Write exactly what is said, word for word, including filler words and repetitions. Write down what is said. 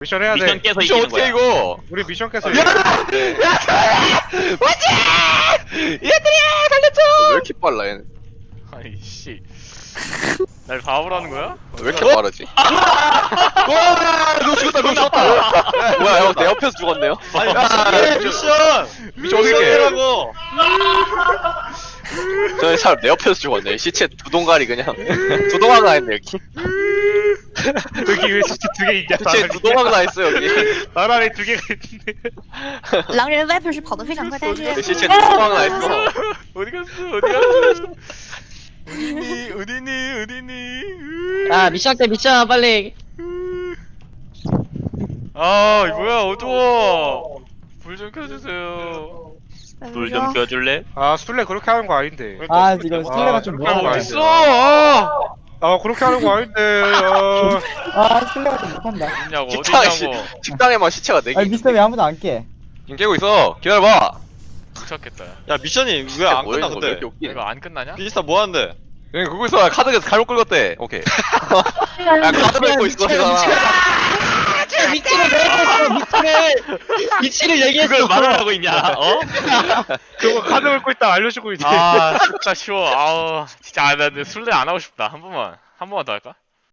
미션 해야 돼. 미션 깨서 미션 이기는 어떻게 거야. 이거? 우리 미션 깨서 야! 이겨. 뭐지? 얘들이야 달렸죠? 왜 이렇게 빨라 얘는? 아이씨. 날 바보라는 거야? 왜 이렇게 빠르지? 와, 누구 죽었다, 누구 죽었다. 뭐야, 형, 내 옆에서 죽었네요. 아니 미션 미션 미션 어떻게 해? 미션이라고. 저 사람 내 옆에서 죽었네. 시체 두 동가리 그냥 두 동강 나 있네 여기. 여기 왜 시체 두개 있냐? 시체 두 동강 나 있어 여기. 나란히 두 개가 있는데. 狼人 Viper 是跑得非常快，但是 시체 두 동강 나 있어. 어디 갔어? 어디 갔어? 어디니? 어디니? 어디니? 아 미션 때 미션 빨리. 아, 뭐야? 어두워. 불 좀 켜주세요. 불 좀 说 켜줄래? 아 술래 그렇게 하는 거 아닌데. 아 이거 술래가 좀 아, 못하는 거 어딨어? 아니지? 어딨어? 아 그렇게 하는 거 아닌데. 어. 아 술래가 좀 못한다. 어딨냐고? 식당에 시, 어딨냐고? 식당에만 시체가 네 개. 아니 미스터 왜 아무도 안 깨? 지금 깨고 있어. 기다려봐. 미쳤겠다. 야. 야 미션이 왜 안 끝나 왜 근데? 이렇게 웃기네. 이거 안 끝나냐? 비지스타 뭐 하는데? 그냥 그거 있어. 카드에서 갈고 끌었대. 오케이. 야 카드 밟고 있어 이거. 미치를 얘기했어 미치를 미치를 얘기했어. 그걸 말을 하고 있냐? 어? 그거 카드 긁고 있다 알려주고 있지. 아, 진짜 쉬워. 아우, 진짜 아, 나 근데 술래 안 하고 싶다. 한 번만, 한 번만 더 할까?